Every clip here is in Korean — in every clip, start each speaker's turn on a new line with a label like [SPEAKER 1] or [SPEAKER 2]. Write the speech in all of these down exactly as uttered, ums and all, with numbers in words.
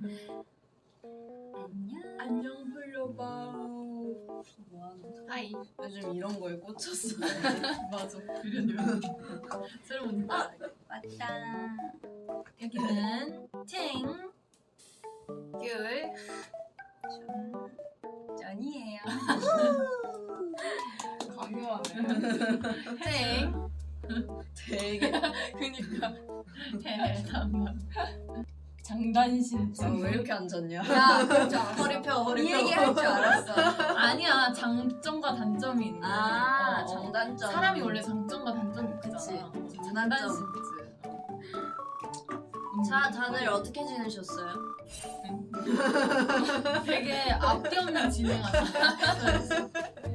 [SPEAKER 1] 안녕.
[SPEAKER 2] 안녕 불러봐.
[SPEAKER 1] 뭐하는
[SPEAKER 2] 하이.
[SPEAKER 1] 요즘 이런 거에 꽂혔어.
[SPEAKER 2] 맞아. 그려요. 새로운 아
[SPEAKER 1] 맞다.
[SPEAKER 2] 여기는 팅 귤
[SPEAKER 1] 전이에요.
[SPEAKER 2] 강요하네. 팅
[SPEAKER 1] 되게
[SPEAKER 2] 그니까 대담담 장단신
[SPEAKER 1] 아, 왜 이렇게 앉았냐?
[SPEAKER 3] 야, 그럴 줄 알았어.
[SPEAKER 1] 허리 펴 허리
[SPEAKER 3] 이
[SPEAKER 1] 펴.
[SPEAKER 3] 얘기 할 줄 알았어.
[SPEAKER 2] 아니야 장점과 단점이 있는
[SPEAKER 1] 아
[SPEAKER 2] 어, 어.
[SPEAKER 1] 장단점.
[SPEAKER 2] 사람이 원래 장점과 단점이 있잖아.
[SPEAKER 1] 그치.
[SPEAKER 2] 장단신
[SPEAKER 1] 자 다들 어떻게 지내셨어요?
[SPEAKER 2] 되게 앞뒤 없는 진행하시네.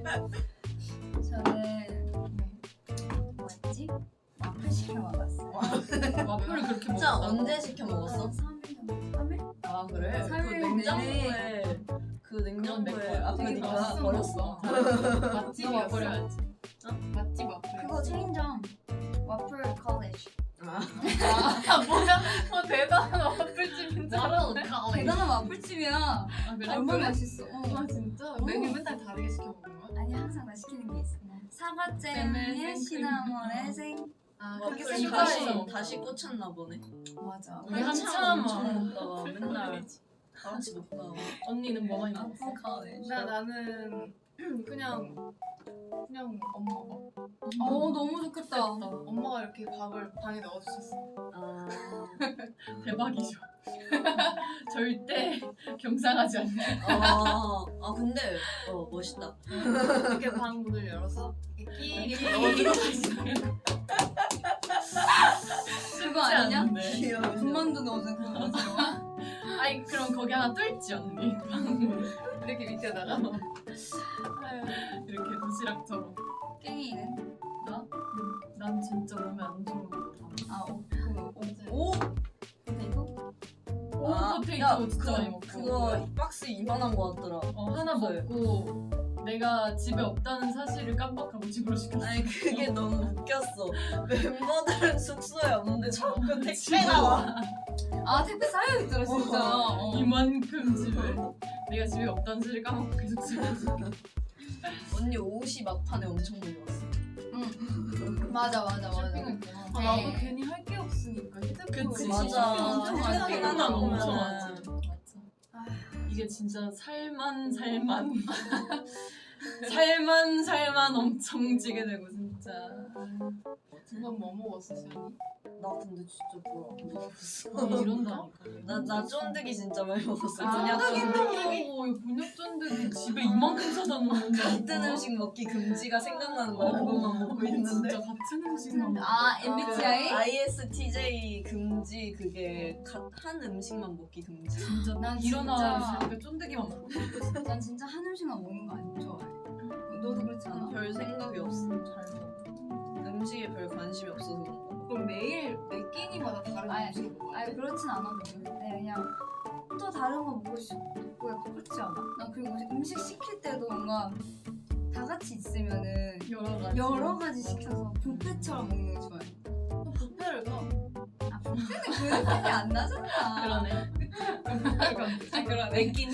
[SPEAKER 3] 저는 뭐였지? 와플 시켜 먹었어요.
[SPEAKER 2] 와플을 그렇게
[SPEAKER 1] 진짜
[SPEAKER 2] 먹었다고?
[SPEAKER 1] 언제 시켜 먹었어?
[SPEAKER 3] 삼 일 정도? 삼 일?
[SPEAKER 1] 아 그래? 그
[SPEAKER 3] 삼 일
[SPEAKER 1] 냉장고에 그
[SPEAKER 2] 그건 내
[SPEAKER 1] 냉장고에
[SPEAKER 2] 거야.
[SPEAKER 1] 아
[SPEAKER 3] 되게
[SPEAKER 1] 그니까
[SPEAKER 3] 맛있어.
[SPEAKER 1] 버렸어.
[SPEAKER 2] 맛집 와플이었지.
[SPEAKER 1] 어?
[SPEAKER 2] 맛집 와플.
[SPEAKER 3] 그거 체인점. 와플 컬리지.
[SPEAKER 1] 아
[SPEAKER 2] 아 뭐야? 어 대단한 와플집인 줄 알았어.
[SPEAKER 3] 대단한 와플집이야.
[SPEAKER 2] 아 그래?
[SPEAKER 3] 얼마나 맛있어. 어.
[SPEAKER 2] 아 진짜? 메뉴 맨날 다르게 시켜 먹는 거야?
[SPEAKER 3] 아니 항상 나 시키는 게 있어.
[SPEAKER 2] 잼을
[SPEAKER 3] 사과잼에
[SPEAKER 2] 생크림.
[SPEAKER 3] 시나몬에 생.
[SPEAKER 2] 아
[SPEAKER 1] 와플이
[SPEAKER 3] 그렇게
[SPEAKER 1] 다시
[SPEAKER 3] 생각해.
[SPEAKER 1] 다시 꽂혔나 보네.
[SPEAKER 3] 맞아.
[SPEAKER 2] 우리 한참
[SPEAKER 1] 엄청 먹다가
[SPEAKER 2] 와플
[SPEAKER 1] 맨날
[SPEAKER 2] 컬리지.
[SPEAKER 1] 다 같이 먹다가
[SPEAKER 2] 언니는 뭐 많이 먹었어?
[SPEAKER 3] 와플 컬리지.
[SPEAKER 4] 나 나는 그냥 그냥 엄마가
[SPEAKER 3] 어 너무 좋겠다.
[SPEAKER 4] 엄마가 이렇게 밥을 방에 넣어주셨어.
[SPEAKER 1] 아
[SPEAKER 2] 대박이죠. 절대 경상하지 않네.
[SPEAKER 1] 아, 아 근데 어 멋있다.
[SPEAKER 4] 이렇게 방 문을 열어서 이렇게 끼
[SPEAKER 2] 넣어주고
[SPEAKER 3] 그거 아니냐?
[SPEAKER 1] 귀여워.
[SPEAKER 3] 군만두 넣어준 그거 맞아.
[SPEAKER 2] 아니 그럼 거기 하나 뚫지 언니.
[SPEAKER 4] 이렇게 밑에다가
[SPEAKER 2] 이렇게 도시락처럼.
[SPEAKER 3] 깽이는?
[SPEAKER 2] 나? 난 진짜 몸에 안 좋은 거 다.
[SPEAKER 3] 아 오, 그
[SPEAKER 1] 오!
[SPEAKER 3] 포테이토?
[SPEAKER 2] 오
[SPEAKER 1] 아,
[SPEAKER 2] 포테이토
[SPEAKER 1] 야,
[SPEAKER 2] 진짜
[SPEAKER 1] 그거,
[SPEAKER 2] 많이 먹고.
[SPEAKER 1] 그거 박스 이만한 거 같더라.
[SPEAKER 2] 어, 하나
[SPEAKER 1] 숙소에.
[SPEAKER 2] 먹고 내가 집에 없다는 사실을 깜빡하고 집으로 시켰어.
[SPEAKER 1] 아니 그게 너무 웃겼어. 멤버들은 숙소에 없는데 자꾸 택배
[SPEAKER 2] 집으로
[SPEAKER 1] 나와.
[SPEAKER 3] 아 택배 쌓여있더라 진짜. 어.
[SPEAKER 2] 이만큼 집에 내가 집에 없다는 사실을 까먹고 계속 집으로 시켰어.
[SPEAKER 1] 언니 옷이 막판에 엄청 많이 왔어.
[SPEAKER 3] 응. 맞아 맞아 맞아.
[SPEAKER 2] 쇼핑했구나.
[SPEAKER 4] 아, 나도 괜히 할 게 없으니까 휴대폰
[SPEAKER 2] 그치.
[SPEAKER 1] 맞아.
[SPEAKER 3] 엄청 많이
[SPEAKER 2] 생각만
[SPEAKER 1] 하고
[SPEAKER 2] 엄청
[SPEAKER 1] 보면은.
[SPEAKER 2] 하지. 맞아. 이게 진짜 살만 살만 살만 살만 엄청 지게 되고 진짜.
[SPEAKER 4] 넌 뭐 먹었어, 시연이?
[SPEAKER 1] 나 근데 진짜 별로 안 먹었어.
[SPEAKER 2] 아, 이런다니까.
[SPEAKER 1] 나나 쫀득이 진짜 많이 먹었어.
[SPEAKER 2] 아,
[SPEAKER 1] 그냥 쫀득이.
[SPEAKER 2] 오, 이 분역 쫀득이 집에 이만큼 사다 놓는다.
[SPEAKER 1] 같은 음식 먹기 금지가 생각나는 거야. 그것만 먹고 있는데.
[SPEAKER 2] 진짜 같은 음식만 먹어.
[SPEAKER 3] 아 엠비티아이?
[SPEAKER 1] 그 아이에스티제이 금지 그게 가, 한 음식만 먹기 금지.
[SPEAKER 2] 진짜
[SPEAKER 3] 난
[SPEAKER 2] 일어나니까 쫀득이만 먹고.
[SPEAKER 3] 난 진짜 한 음식만 먹는 거 안 좋아해. 너도 그렇지 않아?
[SPEAKER 1] 난 별 생각이 없어.
[SPEAKER 2] 잘 먹어.
[SPEAKER 1] 음식에 별 관심이 없어서 그런 거.
[SPEAKER 4] 그럼 매일 매 끼니마다 다른
[SPEAKER 3] 아니,
[SPEAKER 4] 음식을 먹어야
[SPEAKER 3] 아니
[SPEAKER 4] 돼?
[SPEAKER 3] 그렇진 않아도 되는데 그냥 또 다른 거 먹고 싶고 약간 그렇지 않아? 난 그리고 음식 시킬 때도 뭔가 다 같이 있으면은
[SPEAKER 2] 여러 가지.
[SPEAKER 3] 여러 가지 시켜서 뷔페처럼 먹는 거 좋아해.
[SPEAKER 4] 또 뷔페를 가.
[SPEAKER 3] 아 뷔페는 그 느낌이 안 나잖아.
[SPEAKER 2] 그러네.
[SPEAKER 3] 아 그러네.
[SPEAKER 2] 맥긴.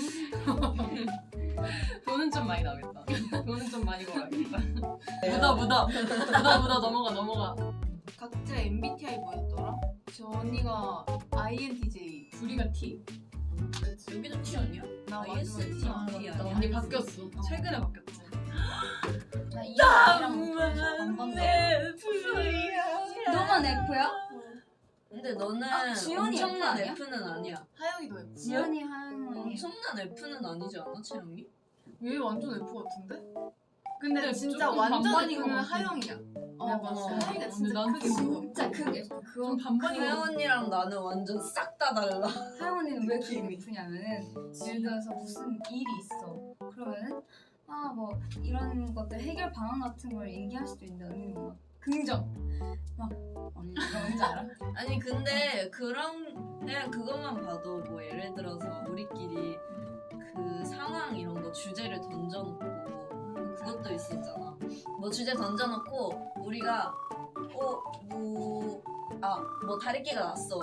[SPEAKER 2] 돈은 좀 많이 나겠다. 돈은 좀 많이 벌어야겠다. 묻어 묻어 묻어 묻어 넘어가 넘어가.
[SPEAKER 4] 각자 엠비티아이 뭐였더라? 저 언니가 아이엔티제이.
[SPEAKER 2] 둘이가 T.
[SPEAKER 1] 여기도 T 아니야?
[SPEAKER 4] 나
[SPEAKER 1] 아이에스티제이
[SPEAKER 4] 완전
[SPEAKER 1] 아니야?
[SPEAKER 2] 나 언니 바뀌었어. 최근에 바뀌었지.
[SPEAKER 3] 나 이랑 안 봤네.
[SPEAKER 1] F야.
[SPEAKER 3] 너만 F야?
[SPEAKER 1] 근데 너는
[SPEAKER 3] 아, 지연이
[SPEAKER 1] 엄청난
[SPEAKER 3] F 아니야?
[SPEAKER 1] F는 아니야.
[SPEAKER 4] 하영이도 F.
[SPEAKER 3] 지연이 한
[SPEAKER 1] 엄청난 F는 아니지 않아, 채영이?
[SPEAKER 4] 얘 완전 F 같은데?
[SPEAKER 2] 근데
[SPEAKER 4] 근데 진짜
[SPEAKER 2] 조금
[SPEAKER 4] 완전
[SPEAKER 2] 반반인
[SPEAKER 4] F는
[SPEAKER 2] 것 같아.
[SPEAKER 4] 하영이야.
[SPEAKER 3] 어,
[SPEAKER 4] 내가
[SPEAKER 3] 맞아.
[SPEAKER 4] 봤을 때 하영이가
[SPEAKER 2] 근데
[SPEAKER 4] 진짜
[SPEAKER 2] 난
[SPEAKER 4] 크게
[SPEAKER 2] 좀-
[SPEAKER 4] 먹어.
[SPEAKER 3] 진짜 그게 그거
[SPEAKER 2] 좀 반반인 것
[SPEAKER 1] 하영
[SPEAKER 2] 같아.
[SPEAKER 1] 언니랑 나는 완전 싹 다 달라.
[SPEAKER 3] 하영 언니는 왜 그게
[SPEAKER 1] 느낌이.
[SPEAKER 3] F냐면은 예를 들어서 무슨 일이 있어. 그러면은 아 뭐 이런 것들 해결 방안 같은 걸 얘기할 수도 있는데 언니는 막 긍정 막 언니 이거 뭔지 알아?
[SPEAKER 1] 아니 근데 그런 그냥 그것만 봐도 뭐 예를 들어서 우리끼리 그 상황 이런 거 주제를 던져놓고 그것도 있었잖아. 뭐 주제 던져놓고 우리가 어뭐아뭐 다리끼가 났어.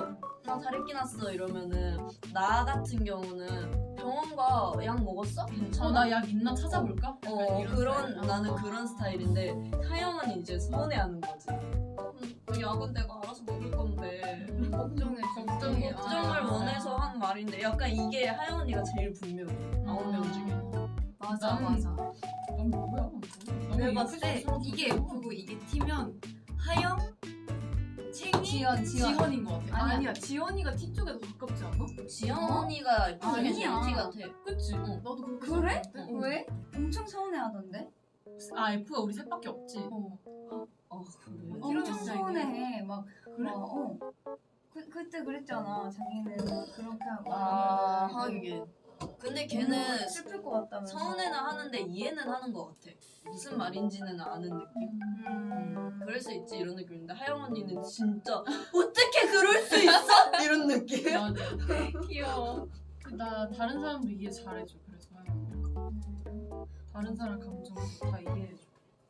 [SPEAKER 1] 나 다리 끼났어 이러면은 나 같은 경우는 병원가 약 먹었어? 괜찮아?
[SPEAKER 2] 어, 나 약 있나 찾아볼까?
[SPEAKER 1] 어,
[SPEAKER 2] 약간 이런
[SPEAKER 1] 그런
[SPEAKER 2] 스타일.
[SPEAKER 1] 나는
[SPEAKER 2] 아.
[SPEAKER 1] 그런 스타일인데 하영은 이제 서운해하는 거지. 음, 그 약은 내가 알아서 먹을 건데
[SPEAKER 4] 걱정해
[SPEAKER 2] 걱정해.
[SPEAKER 1] 걱정을
[SPEAKER 2] 아.
[SPEAKER 1] 원해서 한 말인데 약간 이게 하영 언니가 제일 분명해. 아홉 명 중에.
[SPEAKER 3] 맞아
[SPEAKER 2] 나는-
[SPEAKER 3] 맞아.
[SPEAKER 2] 넌 뭐야?
[SPEAKER 4] 내가 봤을 때
[SPEAKER 2] 너무
[SPEAKER 4] 이게
[SPEAKER 2] 예쁘죠?
[SPEAKER 4] F고 이게 T면 하영, 챙이,
[SPEAKER 3] 지연 지연.
[SPEAKER 4] 지연인 것 같아.
[SPEAKER 3] 아니야.
[SPEAKER 4] 아니야, 지연이가 T 쪽에 더 가깝지 않아?
[SPEAKER 1] 지연
[SPEAKER 3] 어?
[SPEAKER 1] 언니가 F 중에 제일
[SPEAKER 3] 아니야.
[SPEAKER 1] T 같아.
[SPEAKER 4] 그치?
[SPEAKER 1] 응.
[SPEAKER 4] 나도 그렇게
[SPEAKER 3] 그래?
[SPEAKER 4] 생각하는데?
[SPEAKER 3] 왜? 엄청 서운해하던데?
[SPEAKER 2] 아 F가 우리 셋밖에 없지.
[SPEAKER 4] 어.
[SPEAKER 1] 어 그래.
[SPEAKER 4] 이런
[SPEAKER 3] 엄청
[SPEAKER 4] 스타일이야?
[SPEAKER 3] 서운해해. 막
[SPEAKER 2] 그래?
[SPEAKER 3] 막, 어. 그 그때 그랬잖아. 자기는 그렇게 하고
[SPEAKER 1] 아
[SPEAKER 3] 하면은
[SPEAKER 1] 하긴. 근데
[SPEAKER 3] 걔는
[SPEAKER 1] 걔는
[SPEAKER 3] 슬플 것 같다면서.
[SPEAKER 1] 서운해는 하는데 이해는 하는 것 같아. 무슨 말인지는 아는 느낌. 음, 그럴 수 있지 이런 느낌인데 하영 언니는 진짜 어떻게 그럴 수 있어? 이런 느낌.
[SPEAKER 2] 맞아.
[SPEAKER 4] 귀여워.
[SPEAKER 2] 나 다른 사람도 이해 잘해줘. 그래서 하영. 다른 사람 감정 다 이해해줘.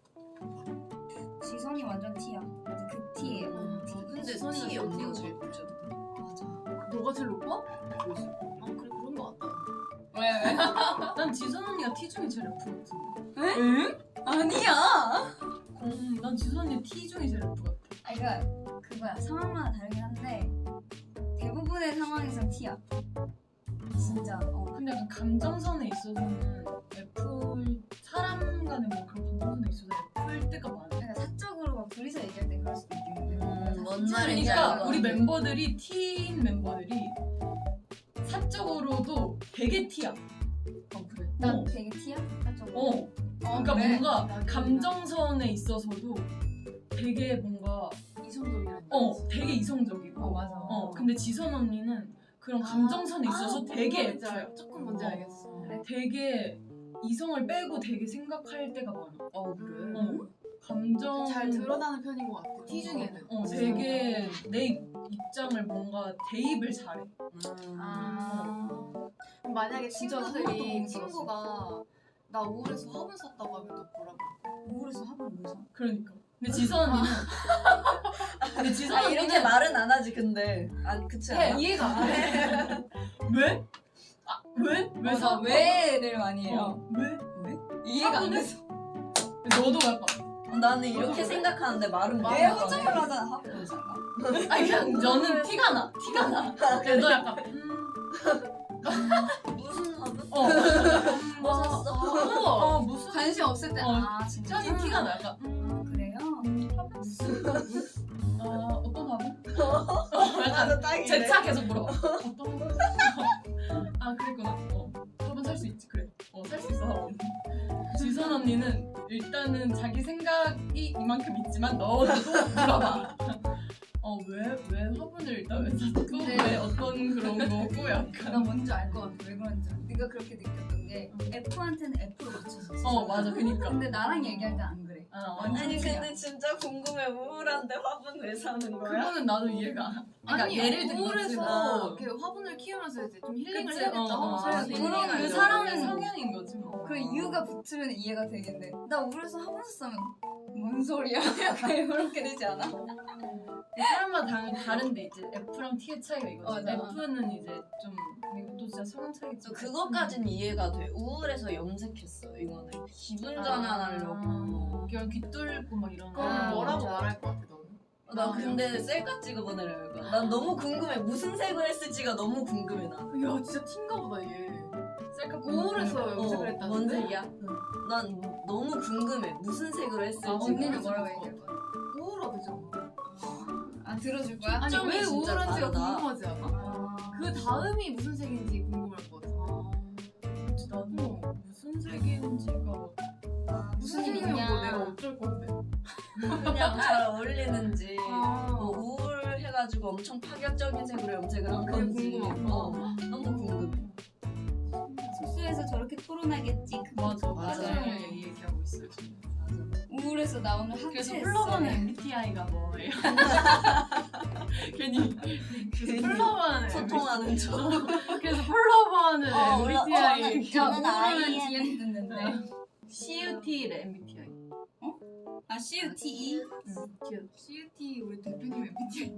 [SPEAKER 3] 지선이 완전 T야. 완전 그 T예요.
[SPEAKER 4] 음.
[SPEAKER 3] T.
[SPEAKER 1] 근데
[SPEAKER 4] 지선이가
[SPEAKER 1] T 언니가
[SPEAKER 4] 제일
[SPEAKER 1] 제일 좋죠.
[SPEAKER 3] 맞아.
[SPEAKER 4] 너가 제일 높아? 아 그래 그런 거 같다.
[SPEAKER 3] 왜 왜?
[SPEAKER 2] 난 지선 언니가 T 중에 제일 F 같은데.
[SPEAKER 3] 응? 아니야.
[SPEAKER 2] 음, 난 지선 언니 T 중에 제일 F 같아.
[SPEAKER 3] 아 그러니까 그거야. 상황마다 다르긴 한데 대부분의 상황에선 T야. 진짜. 어.
[SPEAKER 2] 근데 약간 감정선에 있어서는 F 사람 간에 뭐 그런 감정선에 있어서 F일 때가 많아.
[SPEAKER 3] 그러니까 사적으로 막 둘이서 얘기할 때 그럴 수도 있겠는데.
[SPEAKER 1] 음, 뭔
[SPEAKER 3] 진짜
[SPEAKER 1] 말인지
[SPEAKER 3] 얘기하다가
[SPEAKER 2] 그러니까 우리 멤버들이 T인 멤버들이 사적으로도 되게 T야.
[SPEAKER 1] 어 그래.
[SPEAKER 3] 난
[SPEAKER 2] 어.
[SPEAKER 3] 되게 T야? 사적으로.
[SPEAKER 2] 어. 그러니까
[SPEAKER 3] 그래?
[SPEAKER 2] 뭔가
[SPEAKER 4] 나도
[SPEAKER 2] 감정선에 있어서도 되게 뭔가
[SPEAKER 4] 이성적이라는
[SPEAKER 2] 어
[SPEAKER 4] 거지.
[SPEAKER 2] 되게 이성적이고
[SPEAKER 3] 어, 맞아.
[SPEAKER 2] 어 근데 지선 언니는 그런 감정선에 있어서
[SPEAKER 4] 아,
[SPEAKER 2] 되게
[SPEAKER 4] 뭔지
[SPEAKER 2] F야.
[SPEAKER 4] 알- 조금 뭔지
[SPEAKER 2] 어.
[SPEAKER 4] 알겠어.
[SPEAKER 3] 그래?
[SPEAKER 2] 되게 이성을 빼고 되게 생각할 때가 많아.
[SPEAKER 1] 어 그래.
[SPEAKER 2] 어 감정
[SPEAKER 4] 잘 드러나는 편인 것 같아. T 중에는.
[SPEAKER 2] 어 되게 내 입장을 뭔가 대입을 잘해.
[SPEAKER 1] 음.
[SPEAKER 3] 아.
[SPEAKER 4] 그럼 만약에
[SPEAKER 3] 진짜 한 번도
[SPEAKER 4] 친구들이
[SPEAKER 3] 못
[SPEAKER 4] 친구가 나 우울해서 화분 샀다고 하면 너 뭐라고?
[SPEAKER 3] 우울해서 화분 왜 사?
[SPEAKER 2] 그러니까. 근데 지선 언니는 근데 지선
[SPEAKER 1] 아
[SPEAKER 2] 언니는
[SPEAKER 1] 이렇게 말은 안 하지 근데. 아 그치 않아?
[SPEAKER 4] 이해가 안 돼.
[SPEAKER 2] 왜? 아 왜? 왜
[SPEAKER 3] 맞아.
[SPEAKER 2] 사?
[SPEAKER 3] 왜를 많이 해요.
[SPEAKER 2] 어, 왜?
[SPEAKER 3] 이해가 안
[SPEAKER 2] 화분을?
[SPEAKER 3] 돼서.
[SPEAKER 2] 너도 약간
[SPEAKER 1] 나는 이렇게 생각하는데 말은 못
[SPEAKER 3] 왜
[SPEAKER 1] 해.
[SPEAKER 3] 허정을 하잖아. 화분 왜 살까?
[SPEAKER 2] 아니 그냥 너는 티가 나. 티가 나. 근데 너 약간 음,
[SPEAKER 1] 무슨 화분?
[SPEAKER 2] 어.
[SPEAKER 1] 뭐 샀어?
[SPEAKER 2] 어, 어 무슨
[SPEAKER 3] 관심 없을 때.
[SPEAKER 2] 어,
[SPEAKER 3] 아 진짜.
[SPEAKER 2] 션이 티가 나. 약간
[SPEAKER 3] 아, 그래요?
[SPEAKER 2] 어 어떤 화분?
[SPEAKER 1] 나도 딱이래.
[SPEAKER 2] 제차 계속 물어. 어떤 화분? 아 그랬구나. 어 화분 살 수 있지 그래. 어 살 수 있어 화분. 지선 언니는 일단은 자기 생각이 이만큼 있지만 너도 물어봐. 어 왜 왜 화분을 일단 왜 샀고
[SPEAKER 3] 근데-
[SPEAKER 2] 왜 어떤 그런 거고
[SPEAKER 3] 나
[SPEAKER 2] 약간.
[SPEAKER 3] 뭔지 알 것 같아. 왜 그런지. 네가 그렇게 느꼈던 게 F한테는 F로 맞춰줬어.
[SPEAKER 2] 어 맞아 그니까.
[SPEAKER 3] 근데 나랑 얘기할 때 안 그래.
[SPEAKER 2] 아,
[SPEAKER 3] 완전
[SPEAKER 1] 아니
[SPEAKER 3] T야.
[SPEAKER 1] 근데 진짜 궁금해. 우울한데 화분 왜 사는 거야?
[SPEAKER 2] 그거는 나도 이해가 안. 그러니까
[SPEAKER 4] 아니
[SPEAKER 2] 예를 들면
[SPEAKER 4] 우울해서 이렇게 화분을 키우면서 이제 좀 힐링을
[SPEAKER 2] 그치?
[SPEAKER 4] 해야겠다
[SPEAKER 2] 어,
[SPEAKER 4] 하고
[SPEAKER 2] 어,
[SPEAKER 4] 사야
[SPEAKER 1] 어,
[SPEAKER 4] 돼.
[SPEAKER 1] 그런
[SPEAKER 3] 그럼
[SPEAKER 1] 그
[SPEAKER 3] 그
[SPEAKER 2] 사람의
[SPEAKER 3] 사람은
[SPEAKER 2] 성향인 거지 뭐.
[SPEAKER 3] 그 이유가 붙으면 이해가 되겠는데 나 우울해서 화분 샀으면 뭔 소리야? 약간 이렇게 되지 않아?
[SPEAKER 2] 사람마다 당연히 다른데 이제 F랑 T의 차이가 이거지.
[SPEAKER 3] 맞아.
[SPEAKER 2] F는 이제 좀 이것도 진짜 성향 차이겠지.
[SPEAKER 1] 저 그것까진 이해가 돼. 우울해서 염색했어. 이거는 기분 전환하려고.
[SPEAKER 2] 그냥 귀 뚫고 막 이런.
[SPEAKER 4] 그럼
[SPEAKER 3] 아,
[SPEAKER 4] 뭐라고
[SPEAKER 3] 맞아.
[SPEAKER 4] 말할 것 같아 너는?
[SPEAKER 1] 나 근데 셀카 찍어보내려 이거. 난 너무 궁금해. 무슨 색을 했을지가 너무 궁금해 나.
[SPEAKER 4] 야 진짜 티인가 보다 얘.
[SPEAKER 2] 셀카
[SPEAKER 4] 우울해서
[SPEAKER 2] 보내고.
[SPEAKER 4] 염색을
[SPEAKER 1] 어,
[SPEAKER 4] 했다는데?
[SPEAKER 1] 뭔 색이야? 난 너무 궁금해. 무슨 색으로 했을지.
[SPEAKER 2] 아,
[SPEAKER 3] 언니는
[SPEAKER 2] 그럴
[SPEAKER 3] 뭐라고
[SPEAKER 2] 수도
[SPEAKER 3] 얘기할 거야?
[SPEAKER 4] 우울하대잖아.
[SPEAKER 3] 아 들어줄 거야?
[SPEAKER 4] 아니
[SPEAKER 1] 초점이
[SPEAKER 4] 왜
[SPEAKER 1] 진짜
[SPEAKER 4] 우울한지가
[SPEAKER 1] 다르다.
[SPEAKER 4] 궁금하지 않아?
[SPEAKER 3] 아,
[SPEAKER 4] 그 다음이 무슨 색인지 궁금할 것 같아.
[SPEAKER 2] 그치, 나도 무슨 색인지가
[SPEAKER 3] 아, 무슨
[SPEAKER 4] 무슨 색이면
[SPEAKER 3] 일이냐?
[SPEAKER 4] 뭐 내가 어쩔 건데.
[SPEAKER 1] 그냥 잘 어울리는지.
[SPEAKER 4] 아.
[SPEAKER 1] 뭐 우울해가지고 엄청 파격적인 색으로 염색을 한
[SPEAKER 4] 그게
[SPEAKER 1] 건지.
[SPEAKER 4] 궁금하구나.
[SPEAKER 1] 어, 너무 궁금해.
[SPEAKER 3] 숙소에서 저렇게 토론하겠지. 그
[SPEAKER 2] 맞아
[SPEAKER 1] 맞아.
[SPEAKER 2] 맞아 이 얘기하고 있어요 지금.
[SPEAKER 3] 우울해서 나 오늘
[SPEAKER 2] 그래서
[SPEAKER 3] 학체했어.
[SPEAKER 2] 플러버는 엠비티아이가 뭐예요? 괜히 그래서 플러버는
[SPEAKER 1] 소통하는 척.
[SPEAKER 2] 그래서 플러버는
[SPEAKER 1] 어, 몰라.
[SPEAKER 2] 엠비티아이
[SPEAKER 1] 어, 저는
[SPEAKER 3] 우울은
[SPEAKER 1] 아이엔.
[SPEAKER 3] 디엔 듣는데.
[SPEAKER 2] 씨유티래 엠비티아이.
[SPEAKER 3] 아 C U T E?
[SPEAKER 4] C U T 우리 대표님 엠비티아이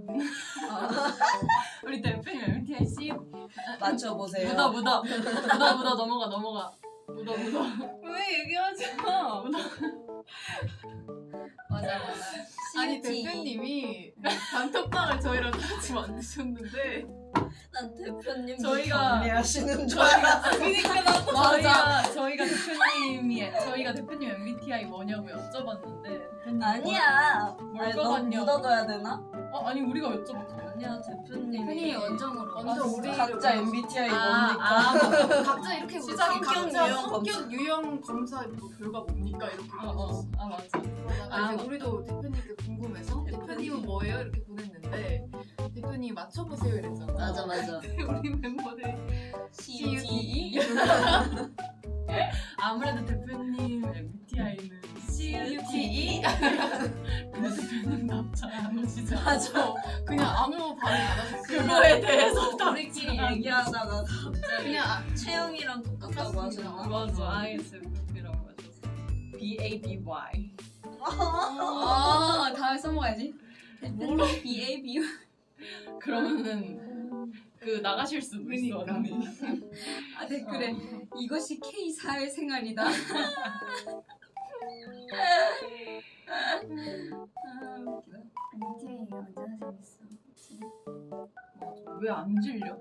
[SPEAKER 2] 우리 대표님 엠비티아이 C
[SPEAKER 1] 맞춰보세요.
[SPEAKER 2] 묻어 묻어 묻어 묻어 넘어가 넘어가 묻어 묻어
[SPEAKER 3] 왜 얘기하지 마. 맞아 맞아.
[SPEAKER 4] 아니 대표님이 단톡방을 저희랑 같이 만드셨는데
[SPEAKER 1] 난 대표님
[SPEAKER 2] 저희가-
[SPEAKER 1] 경례하시는 줄
[SPEAKER 2] 저희가
[SPEAKER 3] 그러니까 나도
[SPEAKER 2] 저희가 저희가 대표님이 저희가 대표님 엠비티아이 뭐냐고 여쭤봤는데 대표님
[SPEAKER 1] 아니야.
[SPEAKER 2] 뭘
[SPEAKER 1] 아니, 너무
[SPEAKER 2] 거같냐고.
[SPEAKER 1] 묻어둬야 되나?
[SPEAKER 2] 어 아니 우리가 여쭤봤잖아요.
[SPEAKER 1] 아니야 대표님이.
[SPEAKER 3] 대표님이 원정으로.
[SPEAKER 4] 완전
[SPEAKER 1] 아,
[SPEAKER 4] 우리
[SPEAKER 1] 각자 엠비티아이
[SPEAKER 2] 아,
[SPEAKER 1] 뭡니까?
[SPEAKER 2] 아, 맞아.
[SPEAKER 3] 각자 이렇게
[SPEAKER 2] 시작이
[SPEAKER 3] 묻어.
[SPEAKER 4] 각자
[SPEAKER 1] 유형
[SPEAKER 4] 성격 유형 검사 뭐 결과 뭡니까 이렇게
[SPEAKER 2] 어, 어, 아 맞아.
[SPEAKER 4] 그러다가
[SPEAKER 2] 아,
[SPEAKER 4] 이제 우리도 대표님께 궁금해서 대표님은 뭐예요? 이렇게 보냈는데 대표님이 맞춰보세요 이랬잖아.
[SPEAKER 1] 맞아 맞아.
[SPEAKER 4] 우리 멤버들이
[SPEAKER 1] C U T E.
[SPEAKER 2] 아무래도 대표님 엠비티아이는 C U T E. 근데 대표님 답장 안 오시죠?
[SPEAKER 1] 맞아.
[SPEAKER 4] 그냥 아무 반응 안 하셨어요.
[SPEAKER 2] 그거에 대해서 답.
[SPEAKER 1] 우리끼리 얘기하다가 갑자기
[SPEAKER 4] 그냥 아,
[SPEAKER 1] 채영이랑 똑같다고 하셨나?
[SPEAKER 2] 맞아. 아이에스에프피라고 하셨어. B A B Y.
[SPEAKER 3] 아 다음에 써먹어야지.
[SPEAKER 2] 뭘?
[SPEAKER 3] B A B.
[SPEAKER 2] 그러면은 그 나가실 수도 있어.
[SPEAKER 4] 그러니까.
[SPEAKER 2] 언니.
[SPEAKER 3] 아 댓글에 이것이 K 사회생활이다. 아 웃기다. 엠비티아이가 언제나 재밌어.
[SPEAKER 2] 왜 안 질려?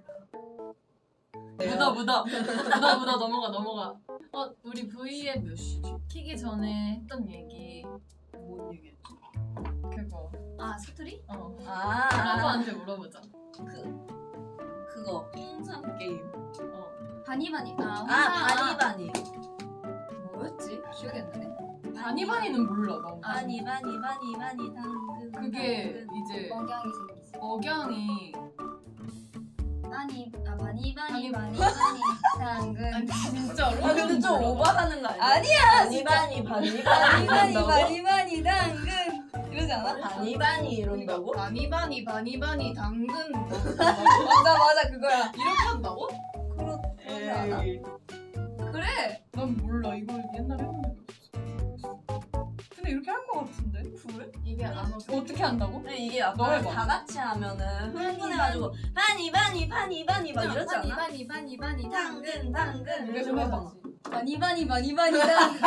[SPEAKER 1] 네.
[SPEAKER 2] 묻어 묻어 묻어 묻어 넘어가 넘어가. 어 우리 V앱 몇 시지? 키기 전에 했던 얘기 뭔 얘기했지? 그거
[SPEAKER 3] 아 사투리?
[SPEAKER 2] 어
[SPEAKER 1] 아,
[SPEAKER 2] 라브한테 물어보자.
[SPEAKER 1] 그 그거 홍삼 게임.
[SPEAKER 2] 어
[SPEAKER 3] 바니바니. 아,
[SPEAKER 1] 아 바니바니.
[SPEAKER 3] 뭐였지? 기억이 안 나네.
[SPEAKER 2] 바니바니는 몰라 나.
[SPEAKER 1] 바니 바니 바니 바니 당근.
[SPEAKER 2] 그게
[SPEAKER 1] 당근.
[SPEAKER 2] 이제
[SPEAKER 3] 억양이 생겼어.
[SPEAKER 2] 억양이
[SPEAKER 3] 바니 아 바니 바니
[SPEAKER 2] 바니-
[SPEAKER 3] 바니 바니 당근.
[SPEAKER 4] 아니 진짜로?
[SPEAKER 1] 아 근데 좀 오버하는 거 아니야?
[SPEAKER 3] 아니야,
[SPEAKER 1] 바니 바니 바니
[SPEAKER 3] 바니
[SPEAKER 1] 바니
[SPEAKER 3] 바니
[SPEAKER 1] 한다고?
[SPEAKER 3] 바니 바니 당근. 이러지 않아?
[SPEAKER 1] 바니 바니 이런다고?
[SPEAKER 4] 바니바니 바니바니 당근 뭐
[SPEAKER 3] 맞아 맞아 그거야.
[SPEAKER 4] 이렇게 한다고?
[SPEAKER 3] 그렇 그러지 않아?
[SPEAKER 1] 에이.
[SPEAKER 3] 그래.
[SPEAKER 2] 난 몰라 이거 옛날에 해본 적이 없어. 근데 이렇게 할 것 같은데? 그래?
[SPEAKER 4] 이게 안 어.
[SPEAKER 2] 어떻게 한다고?
[SPEAKER 1] 근데 이게
[SPEAKER 2] 너
[SPEAKER 1] 약간
[SPEAKER 2] 해봐.
[SPEAKER 1] 다 같이 하면은 흥분해가지고 바니 바니 바니 바니 막 이러지
[SPEAKER 3] 바니
[SPEAKER 1] 않아?
[SPEAKER 3] 바니 바니 바니 당근
[SPEAKER 1] 당근 당근
[SPEAKER 2] 이렇게
[SPEAKER 1] 이러고
[SPEAKER 2] 해봐.
[SPEAKER 1] 하잖아.
[SPEAKER 3] 바니 바니 바니 바니 당근.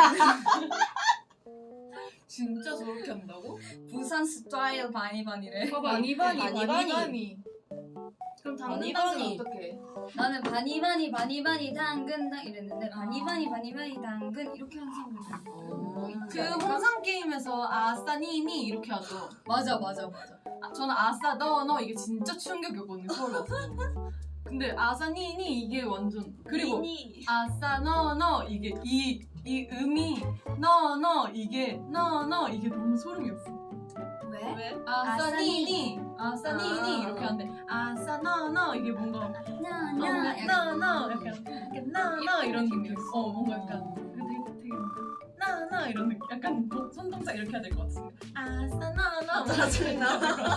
[SPEAKER 4] 진짜 저렇게 한다고?
[SPEAKER 3] 부산 스타일 바니 바니래.
[SPEAKER 4] 바니바니
[SPEAKER 1] 바니바니.
[SPEAKER 4] 바니바니. 그럼 당근
[SPEAKER 1] 바니바니.
[SPEAKER 4] 당근 어떻게?
[SPEAKER 3] 나는 바니 바니 바니 바니 당근 당 이랬는데 바니 바니 바니 바니 당근 이렇게 하는 사람들.
[SPEAKER 1] 어,
[SPEAKER 2] 그 홍상 게임에서 아싸 니니 이렇게 하죠.
[SPEAKER 3] 맞아 맞아 맞아.
[SPEAKER 2] 아, 저는 아싸 너 너 이게 진짜 충격이었거든요 서울 와서. 근데 아싸 니니 이게 완전 그리고
[SPEAKER 1] 미니.
[SPEAKER 2] 아싸 너 너 이게 이 이 음이 너 너 이게 너 너 이게 너무 소름이었어.
[SPEAKER 3] 왜?
[SPEAKER 1] 왜?
[SPEAKER 2] 아싸
[SPEAKER 3] 아싸
[SPEAKER 2] 니니 아싸
[SPEAKER 1] 아.
[SPEAKER 2] 니니 이렇게 하는데 아싸 너 너 이게 뭔가
[SPEAKER 3] 나나
[SPEAKER 2] 너너 약간 약간 너너 이런 느낌. 어 뭔가 약간 되게 되게 나나 이런 느낌. 약간 도- 손동작 이렇게 해야 될 것 같은데. 아싸 너너
[SPEAKER 1] 짜증나.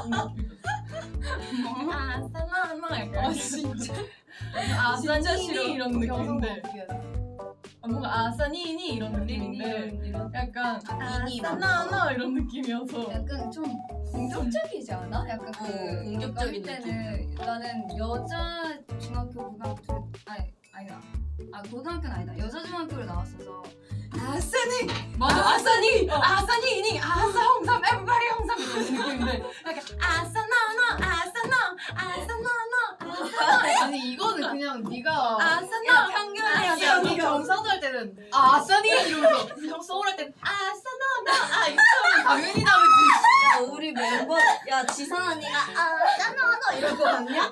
[SPEAKER 2] 아싸 너너 약간.
[SPEAKER 3] 아 진짜.
[SPEAKER 2] 아싸
[SPEAKER 3] 진짜
[SPEAKER 2] 니니
[SPEAKER 3] 싫어.
[SPEAKER 2] 이런
[SPEAKER 4] 영상도
[SPEAKER 2] 느낌인데
[SPEAKER 4] 어떻게 해야 돼?
[SPEAKER 2] 아, 뭔가 아싸 니니 이런 느낌인데 약간
[SPEAKER 1] 니니
[SPEAKER 2] 아싸 너너 이런 느낌이어서
[SPEAKER 3] 약간 좀 공격적이지 않아? 약간 그
[SPEAKER 1] 어, 공격적인
[SPEAKER 3] 어릴 때는 나는 여자 중학교 고등학교 아니 아니다. 아 고등학교는 아니다. 여자 중학교를 나왔어서 아싸니
[SPEAKER 2] 맞아 아싸 니 아싸 니니 아싸 홍삼 에브리바디 홍삼 이런 느낌인데 약간 아싸 너너 아싸 너 아싸 너너
[SPEAKER 4] 아니 이거는 그냥 네가
[SPEAKER 2] 아싸
[SPEAKER 1] 야
[SPEAKER 2] 너
[SPEAKER 1] 평균이야
[SPEAKER 4] 야, 네
[SPEAKER 1] 평균.
[SPEAKER 4] 경상도 할 때는 아 아싸니 이러면서 형 서울 할 때는 아싸 나나 이렇게 하면 당연히 다르지.
[SPEAKER 1] 야 우리 멤버 야 지선 언니가 아 짜나나 이럴 거 같냐?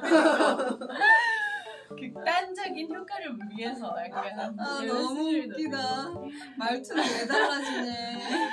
[SPEAKER 2] 극단적인 효과를 위해서 약간
[SPEAKER 3] 아
[SPEAKER 2] 이런
[SPEAKER 3] 너무
[SPEAKER 2] 스릴도
[SPEAKER 3] 웃기다.
[SPEAKER 2] 되고.
[SPEAKER 3] 말투는 왜 달라지네.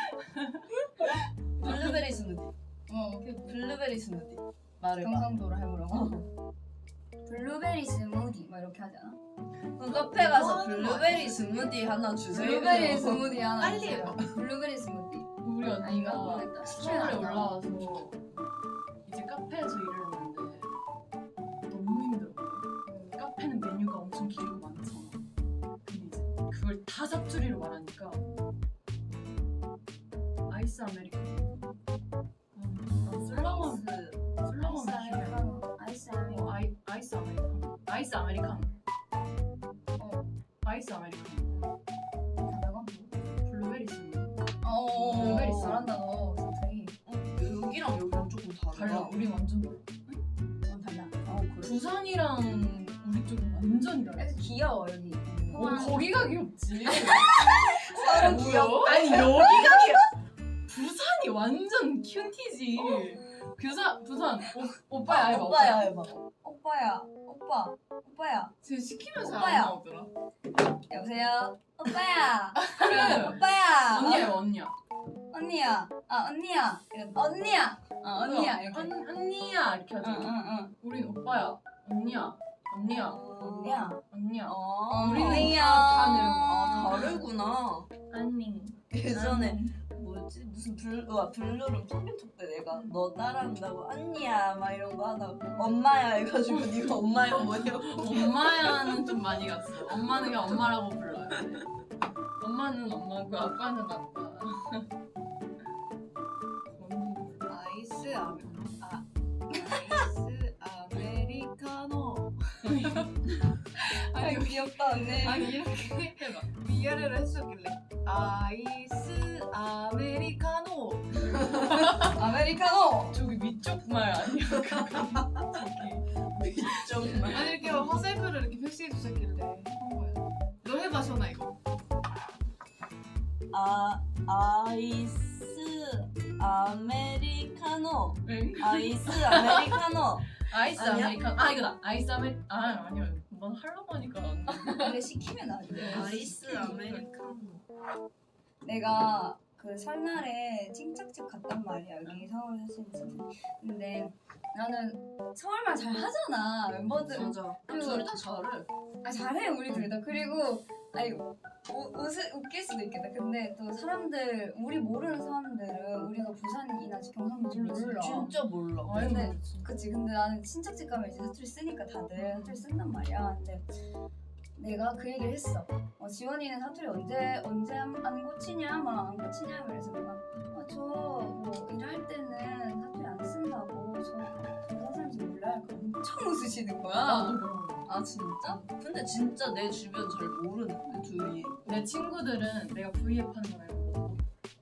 [SPEAKER 1] 블루베리 스무디.
[SPEAKER 3] 어
[SPEAKER 1] 블루베리 스무디. 말해봐.
[SPEAKER 3] 경상도로 해보라고. 블루베리 스무디 막 이렇게 하잖아.
[SPEAKER 1] 그럼 카페 가서
[SPEAKER 4] 뭐 하는
[SPEAKER 1] 블루베리 스무디 하나 주세요.
[SPEAKER 3] 블루베리 스무디 하나
[SPEAKER 4] 빨리
[SPEAKER 3] 주세요.
[SPEAKER 4] 해봐.
[SPEAKER 3] 블루베리 스무디.
[SPEAKER 2] 우리
[SPEAKER 3] 아닌가
[SPEAKER 2] 언니가
[SPEAKER 3] 모르겠다.
[SPEAKER 2] 서울에 올라와서 이제 카페에서 일을 하는데 너무 힘들어. 카페는 메뉴가 엄청 길고 많잖아. 근데 이제 그걸 다 사투리로 말하니까 아이스 아메리카노. 음, 슬라건 슬라건
[SPEAKER 3] 아이스 아메리카노. 아이스 아메리카노.
[SPEAKER 2] 어, 아이 아이스 아메리카노. 아이스 아메리카노. 어 아이스 아메리카노.
[SPEAKER 3] 다다가?
[SPEAKER 2] 블루베리 스무.
[SPEAKER 3] 어.
[SPEAKER 2] 블루베리
[SPEAKER 3] 잘한다 너. 사투리.
[SPEAKER 1] 여기랑 여기랑 조금 다르다.
[SPEAKER 2] 달라. 우리 완전 달라.
[SPEAKER 3] 어 달라.
[SPEAKER 1] 어 그래?
[SPEAKER 2] 부산이랑 우리 쪽은 완전히 달라.
[SPEAKER 3] 약간 귀여워 여기.
[SPEAKER 2] 어, 거기가 귀엽지.
[SPEAKER 3] 서로
[SPEAKER 2] 뭐야? 아니 여기가 귀여. 부산이 완전 큐티지. 부산 부산 오, 오빠야 해봐.
[SPEAKER 1] 오빠야 해봐.
[SPEAKER 3] 오빠야. 오빠. 오빠야.
[SPEAKER 2] 쟤 시키면서
[SPEAKER 3] 오빠야.
[SPEAKER 2] 안 나오더라.
[SPEAKER 3] 여보세요. 오빠야.
[SPEAKER 2] 그래.
[SPEAKER 3] 오빠야.
[SPEAKER 2] 언니야 언니야.
[SPEAKER 3] 언니야. 아 언니야. 이런 언니야. 어 언니야 이렇게.
[SPEAKER 2] 언, 언니야 이렇게 하잖아.
[SPEAKER 3] 응응응.
[SPEAKER 2] 우린 오빠야. 언니야. 언니야.
[SPEAKER 3] 언니야.
[SPEAKER 2] 언니야.
[SPEAKER 1] 어,
[SPEAKER 2] 우리는
[SPEAKER 3] 언니야.
[SPEAKER 2] 다, 다 내려고.
[SPEAKER 1] 아 다르구나.
[SPEAKER 2] 언니.
[SPEAKER 1] 예전에 뭐지 무슨 블 와, 블루룸 청계톡 때 내가 너 따라한다고 언니야 막 이런 거 하다가 엄마야 해가지고 네가 엄마야 뭐냐고.
[SPEAKER 2] 엄마야는 좀 많이 갔어. 엄마는 그냥 엄마라고 불러요. 엄마는 엄마고 아빠는 아빠.
[SPEAKER 4] 아이스 아메 아 아이스 아메리카노.
[SPEAKER 3] 아니 귀엽다 언니.
[SPEAKER 4] 아니 이렇게
[SPEAKER 2] 해봐.
[SPEAKER 4] 위아래로 해주길래 아이스 아메리카노.
[SPEAKER 3] 아메리카노.
[SPEAKER 2] 저기 위쪽 말 아니야? 저기
[SPEAKER 1] 정말.
[SPEAKER 4] 아니 이렇게 막 화살표를 이렇게 표시해 주셨길래 한 거야. 너 해봐 시원아 이거.
[SPEAKER 1] 아 아이스 아메리카노.
[SPEAKER 2] 응?
[SPEAKER 1] 아이스 아메리카노.
[SPEAKER 2] 아이스
[SPEAKER 1] 아니야?
[SPEAKER 2] 아메리카노. 아 이거다. 아이스 아메 아 아니야. 넌 하려고 하니까 안 돼.
[SPEAKER 3] 근데 시키면 안 돼.
[SPEAKER 1] 아이스 아메리카노.
[SPEAKER 3] 내가 그 설날에 친척집 갔단 말이야. 여기 서울 사시는 친척. 근데 나는 서울말 잘 하잖아. 멤버들.
[SPEAKER 1] 맞아.
[SPEAKER 3] 그리고-
[SPEAKER 1] 둘 다 잘해.
[SPEAKER 3] 아 잘해 우리 둘 다. 그리고 아니 우, 웃을, 웃길 수도 있겠다. 근데 또 사람들 우리 모르는 사람들은 우리가 부산이나 경상도인지 몰라.
[SPEAKER 1] 진짜 몰라.
[SPEAKER 2] 아니,
[SPEAKER 3] 근데-
[SPEAKER 2] 모르지.
[SPEAKER 3] 그치. 근데 나는 친척집 가면 이제 사투리 쓰니까 다들 사투리 쓴단 말이야. 근데 내가 그 얘기를 했어. 어, 지원이는 사투리 언제 언제 안, 안 고치냐, 막 안 고치냐. 그래서 내가 어, 저뭐 일할 때는 사투리 안 쓴다고 저 부산 사람인지 몰라요. 엄청 웃으시는 거야.
[SPEAKER 2] 나도 그런 거.
[SPEAKER 1] 아 진짜? 근데 진짜 내 주변 잘 모르는데 둘이.
[SPEAKER 2] 내 친구들은 내가 브이앱 하는 거 알고 못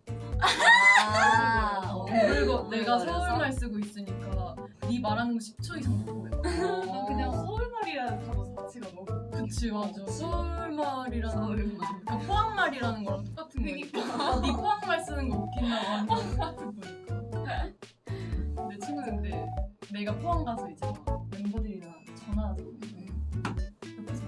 [SPEAKER 1] 아,
[SPEAKER 2] 보고. 그리고 내가 서울말 쓰고 있으니까 네 말하는 거 십 초 이상 못 보여.
[SPEAKER 4] 난 그냥 서울말이라는 단어 자체가 너무
[SPEAKER 2] 그치 맞아. 서울말이라는
[SPEAKER 1] 서울말.
[SPEAKER 2] 그러니까 포항말이라는 거랑 똑같은 거니까. 네 포항말 쓰는 거 웃긴다고 하는 거 똑같은 거니까. 내 친구인데 내가 포항 가서 이제 막 멤버들이랑 전화하잖아. 옆에서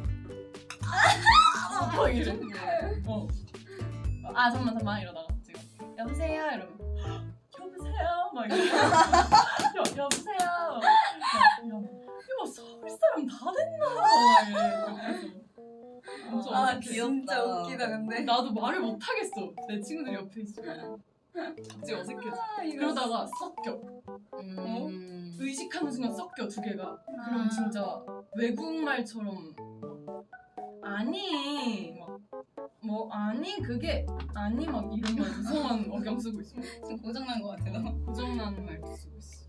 [SPEAKER 2] 막 이래. 어. 아 잠만 잠만 이러다가 지금 여보세요 이러면 여보세요 막 이러고 여, 여보세요 막, 야, 이거 서울 사람 다 됐나 막 이래. 그래서 엄청
[SPEAKER 1] 아,
[SPEAKER 2] 어색해.
[SPEAKER 1] 귀엽다.
[SPEAKER 3] 진짜 웃기다 근데.
[SPEAKER 2] 나도 말을 못 하겠어. 내 친구들 옆에 있으면 갑자기 어색해져. 그러다가 섞여.
[SPEAKER 1] 음.
[SPEAKER 2] 의식하는 순간 섞여 두 개가. 그럼 진짜 외국말처럼 아니 막 뭐 아니 그게 아니 막 이런 말 이상한 억양 쓰고 있어.
[SPEAKER 3] 지금 고장난 거 같아 너.
[SPEAKER 2] 고장나는 말도 쓰고 있어.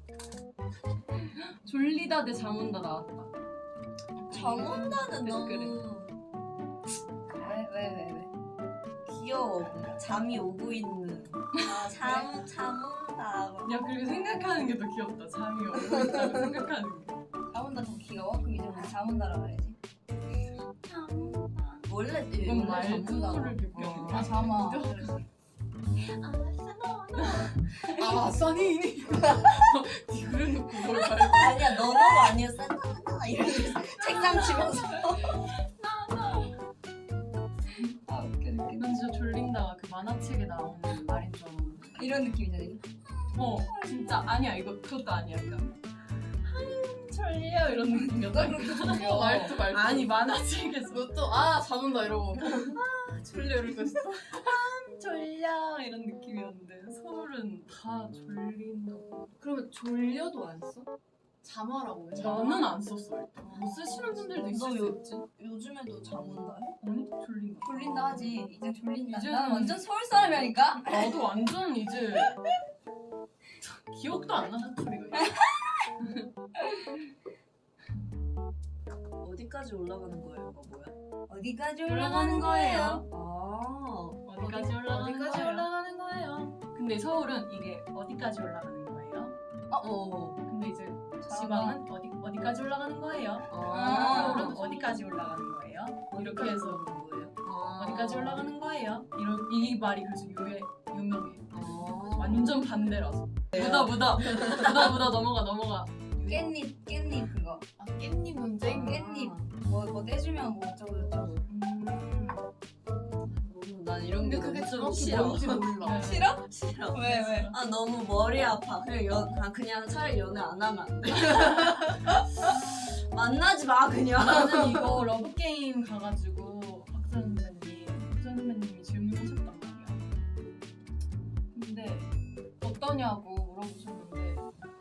[SPEAKER 2] 졸리다 대 잠 온다 나왔다.
[SPEAKER 1] 잠 온다는
[SPEAKER 2] 댓글에.
[SPEAKER 1] 너무
[SPEAKER 3] 왜 왜 왜 왜?
[SPEAKER 1] 귀여워. 뭔가 잠이 오고 있는. 아, 잠, 잠 온다.
[SPEAKER 2] 야 그리고 생각하는 게 더 귀엽다. 잠이 오고 있다고 생각하는 게.
[SPEAKER 3] 잠온다 더 귀여워? 그럼 이제 우리 잠온다라 그래야지. 잠온다.
[SPEAKER 1] 원래
[SPEAKER 2] 그건
[SPEAKER 1] 원래 잠 온다.
[SPEAKER 2] 말투를 비껴.
[SPEAKER 3] 아 잠아.
[SPEAKER 4] 아 써니니.
[SPEAKER 2] 니 그래놓고 뭘 말?
[SPEAKER 1] 아니야 너너가 아니야 산타나 이렇게 책상 치면서.
[SPEAKER 3] 아 웃겨 웃겨.
[SPEAKER 2] 난 진짜 졸린다가 그 만화책에 나오는 말인 줄 알았는데.
[SPEAKER 3] 이런 느낌이잖아. 이게.
[SPEAKER 2] 어 진짜 아니야 이거 그것도 아니야 그러니까 한 졸려 이런 느낌이었다.
[SPEAKER 3] 졸려.
[SPEAKER 2] 말투 말투. 아니 만화책에서
[SPEAKER 4] 너또 아 잠온다 이러고.
[SPEAKER 2] 졸려 이러고 있어. 한 졸려 이런 느낌이었는데 서울은 다 졸린다고.
[SPEAKER 4] 그러면 졸려도 안 써? 자마라고 해.
[SPEAKER 2] 나는 안 썼어 일단. 뭐 쓰시는 분들도 있을
[SPEAKER 1] 너
[SPEAKER 2] 수
[SPEAKER 1] 요-
[SPEAKER 2] 있지.
[SPEAKER 1] 요즘에도 잠 온다 해?
[SPEAKER 2] 아니 졸린다.
[SPEAKER 3] 졸린다 하지. 이제 졸린다.
[SPEAKER 2] 이제는-
[SPEAKER 3] 난 완전 서울 사람이라니까.
[SPEAKER 2] 나도 완전 이제 기억도 안 나 사투리가.
[SPEAKER 1] 어디까지 올라가는 거예요? 이거 뭐야?
[SPEAKER 3] 어디까지
[SPEAKER 2] 올라가는 거예요.
[SPEAKER 1] 아
[SPEAKER 2] 어디까지 올라가는
[SPEAKER 4] 어디까지
[SPEAKER 2] 거예요?
[SPEAKER 4] 올라가는 거예요?
[SPEAKER 2] 근데 서울은 이게 어디까지 올라가는 거예요?
[SPEAKER 1] 어.
[SPEAKER 2] 근데 이제 지방은 어디 어디까지 올라가는 거예요?
[SPEAKER 3] 아.
[SPEAKER 2] 서울은 어디까지 올라가는 거예요? 이렇게 해서
[SPEAKER 1] 거예요?
[SPEAKER 2] 어디까지 올라가는 거예요? 이런 이 말이 그래서 유해, 유명해.
[SPEAKER 1] 아.
[SPEAKER 2] 완전 반대라서. 묻어 묻어 묻어 묻어 넘어가 넘어가.
[SPEAKER 3] 깻잎 깻잎 그거.
[SPEAKER 4] 아 깻잎 논쟁?
[SPEAKER 3] 깻잎. 뭐 뭐 떼주면 뭐 어쩌고 저쩌고.
[SPEAKER 2] 음.
[SPEAKER 1] 너무 난 이런
[SPEAKER 4] 근데
[SPEAKER 1] 게
[SPEAKER 4] 그게
[SPEAKER 1] 너무 좀
[SPEAKER 4] 정확히
[SPEAKER 1] 싫어.
[SPEAKER 4] 뭔지 몰라.
[SPEAKER 2] 네.
[SPEAKER 3] 싫어?
[SPEAKER 1] 싫어.
[SPEAKER 3] 왜 왜?
[SPEAKER 1] 아 너무 머리 아파. 그냥 연, 아, 그냥 차라리 연애 안 하면 안 돼. 만나지 마 그냥.
[SPEAKER 2] 나는 이거 러브 게임 가가지고 박선 선배님이 박선 선배님이 질문하셨단 말이야. 근데 어떠냐고 물어보셨는데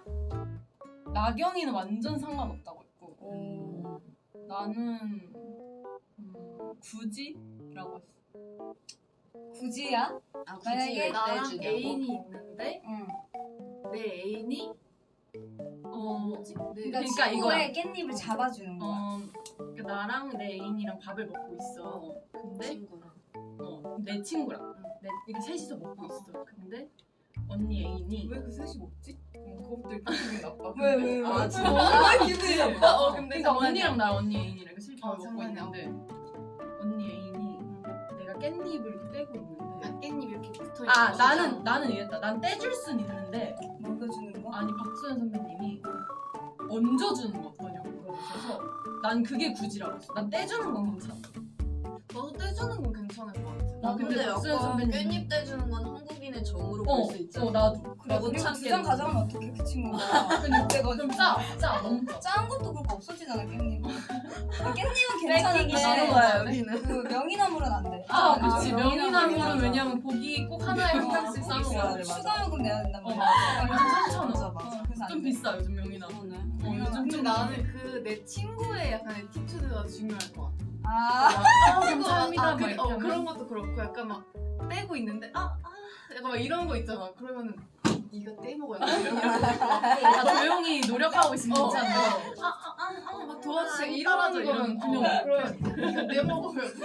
[SPEAKER 2] 나경이는 완전 상관없다고 했고
[SPEAKER 3] 오.
[SPEAKER 2] 나는 음, 굳이라고 했어.
[SPEAKER 3] 굳이야?
[SPEAKER 1] 아
[SPEAKER 3] 만약에
[SPEAKER 4] 나랑
[SPEAKER 1] 떼주냐고?
[SPEAKER 4] 애인이 있는데
[SPEAKER 3] 응.
[SPEAKER 4] 내 애인이
[SPEAKER 2] 어,
[SPEAKER 4] 뭐지? 내
[SPEAKER 3] 그러니까,
[SPEAKER 2] 그러니까
[SPEAKER 3] 친구의 깻잎을 잡아주는 거야.
[SPEAKER 2] 어, 그러니까 나랑 내 애인이랑 밥을 먹고 있어. 근데
[SPEAKER 1] 친구랑.
[SPEAKER 2] 어, 내 친구랑 내, 이렇게 셋이서 먹고 있어. 근데 언니 애인이
[SPEAKER 4] 왜 그 셋이 먹지? 어, 그것도 일단 기분이 나빠.
[SPEAKER 3] 왜, 왜, 왜?
[SPEAKER 1] 아 진짜.
[SPEAKER 3] 아 기분이 나빠.
[SPEAKER 4] 어 근데
[SPEAKER 2] 그러니까 언니랑 나 언니 애인이랑 이렇게 셋이
[SPEAKER 4] 어,
[SPEAKER 2] 밥을 먹고
[SPEAKER 4] 장난이야.
[SPEAKER 2] 있는데 언니 애인이 내가 깻잎을 이렇게 떼고 있는데
[SPEAKER 4] 아 깻잎 이렇게 붙어 있는
[SPEAKER 2] 아
[SPEAKER 4] 거
[SPEAKER 2] 나는
[SPEAKER 4] 있잖아.
[SPEAKER 2] 나는 이랬다. 난 떼줄 순 있는데
[SPEAKER 3] 먹여주는 거?
[SPEAKER 2] 아니 박수현 선배님이 얹어주는 거 어떠냐고 물어보셔서 난 그게 굳이라고 했어. 난 떼주는 건 괜찮아.
[SPEAKER 4] 너도 떼주는 건 괜찮을 것 같아.
[SPEAKER 2] 나 근데 박수현
[SPEAKER 1] 약간
[SPEAKER 2] 선배님
[SPEAKER 1] 깻잎 떼주는 건 한국인의 정으로
[SPEAKER 2] 어,
[SPEAKER 1] 볼 수 있잖아.
[SPEAKER 2] 어 나도.
[SPEAKER 3] 그래
[SPEAKER 1] 못
[SPEAKER 3] 그리고 두장
[SPEAKER 1] 참겠는데.
[SPEAKER 3] 가져가면 어떡해 그 친구가.
[SPEAKER 2] 그럼
[SPEAKER 3] 그래가지고
[SPEAKER 2] 짜, 짜, 너무 짜.
[SPEAKER 3] 짠 것도 그렇고 없어지잖아 깻잎. 아, 깻잎은
[SPEAKER 1] 뺏기기
[SPEAKER 3] 괜찮은데
[SPEAKER 1] 싫은 거야 여기는.
[SPEAKER 3] 그 명이나물은 안 돼.
[SPEAKER 2] 아, 그치.
[SPEAKER 3] 명이나물,
[SPEAKER 2] 명이나물은
[SPEAKER 3] 명이나물.
[SPEAKER 2] 왜냐면 고기 꼭 하나에 한 칸씩 싸
[SPEAKER 1] 있어야
[SPEAKER 2] 먹어야
[SPEAKER 1] 돼,
[SPEAKER 2] 돼.
[SPEAKER 1] 맞아.
[SPEAKER 3] 추가 요금 내야 된단
[SPEAKER 2] 어,
[SPEAKER 3] 말이야.
[SPEAKER 2] 맞아. 요즘 삼천
[SPEAKER 3] 맞아
[SPEAKER 2] 원.
[SPEAKER 3] 맞아. 그래서
[SPEAKER 2] 좀
[SPEAKER 3] 안 돼.
[SPEAKER 2] 비싸, 요즘 명이나물.
[SPEAKER 1] 그러네.
[SPEAKER 2] 어, 요즘
[SPEAKER 4] 근데
[SPEAKER 2] 좀
[SPEAKER 4] 나는 그 내 친구의 약간 에티튜드가 중요할 것 같아.
[SPEAKER 3] 아
[SPEAKER 2] 아,
[SPEAKER 4] 친구가
[SPEAKER 2] 감사합니다.
[SPEAKER 4] 아,
[SPEAKER 2] 막
[SPEAKER 4] 그,
[SPEAKER 2] 이렇게
[SPEAKER 4] 어,
[SPEAKER 2] 하면.
[SPEAKER 4] 그런 것도 그렇고 약간 막 떼고 있는데 아, 아 약간 막 이런 거 있잖아. 그러면은 네가 떼먹어야 돼.
[SPEAKER 2] 나 조용히 노력하고 있으면
[SPEAKER 4] 어.
[SPEAKER 2] 괜찮은데.
[SPEAKER 4] 아아아막 도와주세요.
[SPEAKER 2] 아,
[SPEAKER 4] 이런
[SPEAKER 2] 따라줘,
[SPEAKER 4] 거는
[SPEAKER 2] 이러면
[SPEAKER 4] 그냥 그러면 네가 떼먹어야 돼.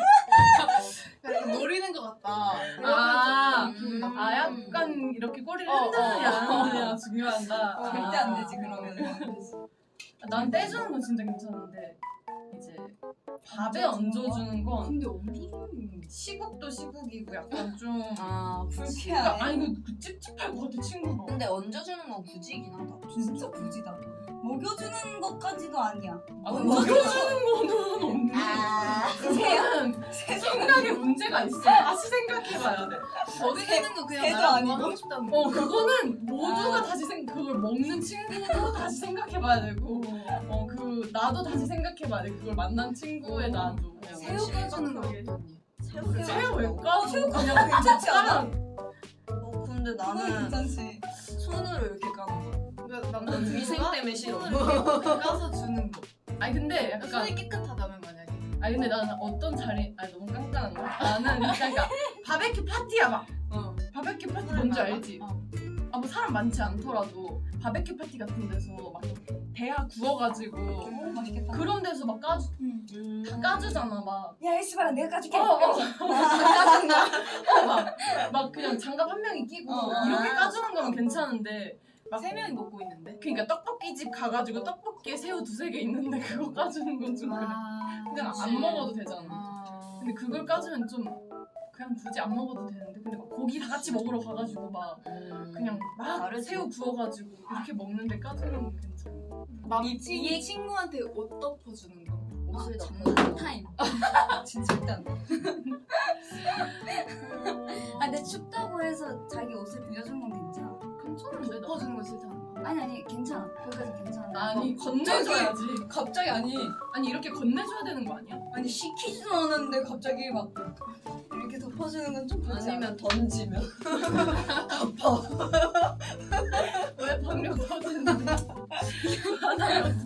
[SPEAKER 4] 약간 노리는 것 같다.
[SPEAKER 2] 아,
[SPEAKER 4] 그러면 좀 기분 나빠.
[SPEAKER 2] 아, 약간 이렇게 꼬리를
[SPEAKER 4] 어,
[SPEAKER 2] 흔드느냐,
[SPEAKER 4] 어.
[SPEAKER 2] 안 흔드냐 중요한다.
[SPEAKER 3] 어, 절대 안 되지 그러면.
[SPEAKER 2] 난 떼주는 건 진짜 괜찮은데 이제 밥에 얹어주는 건
[SPEAKER 4] 근데 어디?
[SPEAKER 2] 시국도 시국이고 약간 좀
[SPEAKER 1] 아 굳이.
[SPEAKER 3] 불쾌하네.
[SPEAKER 2] 아니 이거 그 찝찝할 것 같아 친구가.
[SPEAKER 1] 근데 얹어주는 건 굳이긴 하다.
[SPEAKER 3] 진짜 굳이다. 먹여주는 것까지도 아니야.
[SPEAKER 2] 아, 먹여주는 거는 없는.
[SPEAKER 1] 아.
[SPEAKER 2] 그거는 생각에 문제가 있어. 다시 생각해봐야 돼.
[SPEAKER 4] 먹이는 거 그냥
[SPEAKER 3] 새도
[SPEAKER 4] 나랑
[SPEAKER 3] 아니고.
[SPEAKER 4] 하고 싶다는 거.
[SPEAKER 2] 어 그거는 모두가
[SPEAKER 3] 아.
[SPEAKER 2] 다시 생 그걸 먹는 친구도 다시 생각해봐야 되고 어 그 나도 다시 생각해봐야 돼. 그걸 만난 친구의 나도.
[SPEAKER 4] 새우 까주는 거 어떠니?
[SPEAKER 1] 새우를
[SPEAKER 2] 새우 왜
[SPEAKER 1] 먹어?
[SPEAKER 2] 까고 그냥
[SPEAKER 3] 괜찮지 않아?
[SPEAKER 1] 어 근데
[SPEAKER 3] 그건
[SPEAKER 1] 나는
[SPEAKER 3] 괜찮지.
[SPEAKER 1] 손으로 이렇게 까는 거.
[SPEAKER 4] 그러니까 남자
[SPEAKER 1] 위생 때문에 싫어.
[SPEAKER 4] 손으로 까서 주는 거.
[SPEAKER 2] 아니 근데 약간
[SPEAKER 4] 손이 깨끗하다면 만약에.
[SPEAKER 2] 아니 근데 나는 어떤 자리 아니 너무 깐깐한 거 나는 그러니까 바베큐 파티야 막
[SPEAKER 4] 어.
[SPEAKER 2] 바베큐 파티 뭔지 알지?
[SPEAKER 4] 어.
[SPEAKER 2] 아 뭐 사람 많지 않더라도 바베큐 파티 같은 데서 막 대하 구워가지고
[SPEAKER 3] 오 맛있겠다.
[SPEAKER 2] 그런 데서 막 까주
[SPEAKER 3] 응.
[SPEAKER 1] 음.
[SPEAKER 2] 다 까주잖아 막.
[SPEAKER 3] 야 이씨발아 내가 까줄게.
[SPEAKER 2] 어, 어, 까준다. 어, 막, 막 그냥 장갑 한 명이 끼고
[SPEAKER 3] 어.
[SPEAKER 2] 이렇게 까주는 거면 괜찮은데 막
[SPEAKER 4] 세 명이 먹고 있는데.
[SPEAKER 2] 그러니까 떡볶이집 가가지고 떡볶이에 새우 두세 개 있는데 그거 까주는 건 좀 그래.
[SPEAKER 4] 아,
[SPEAKER 2] 그냥
[SPEAKER 4] 그치.
[SPEAKER 2] 안 먹어도 되잖아.
[SPEAKER 4] 아.
[SPEAKER 2] 근데 그걸 까주면 좀 그냥 굳이 안 먹어도 되는데 근데 막 고기 다 같이 먹으러 가가지고 막
[SPEAKER 1] 음.
[SPEAKER 2] 그냥 막
[SPEAKER 1] 다르지.
[SPEAKER 2] 새우 구워가지고 이렇게 먹는데 까주는 건 괜찮아.
[SPEAKER 4] 남친이 친구한테 옷 덮어주는 거.
[SPEAKER 1] 옷을
[SPEAKER 3] 아,
[SPEAKER 1] 장난
[SPEAKER 3] 타임. 진짜 절대 안 돼. 아 근데 춥다고 해서 자기 옷을 빌려준 건 괜찮아.
[SPEAKER 2] 괜찮은데 나.
[SPEAKER 4] 덮어주는 거 싫다는 거.
[SPEAKER 3] 아니 아니 괜찮아. 거기까지 괜찮아.
[SPEAKER 2] 아니 건네줘야지. 갑자기 아니 아니 이렇게 건네줘야 되는 거 아니야?
[SPEAKER 3] 아니 시키지도 않았는데 갑자기 막 이렇게 덮어주는 건 좀 그렇지 않아?
[SPEAKER 1] 아니면 던지면
[SPEAKER 2] 왜 방력 터지는데? 하나요.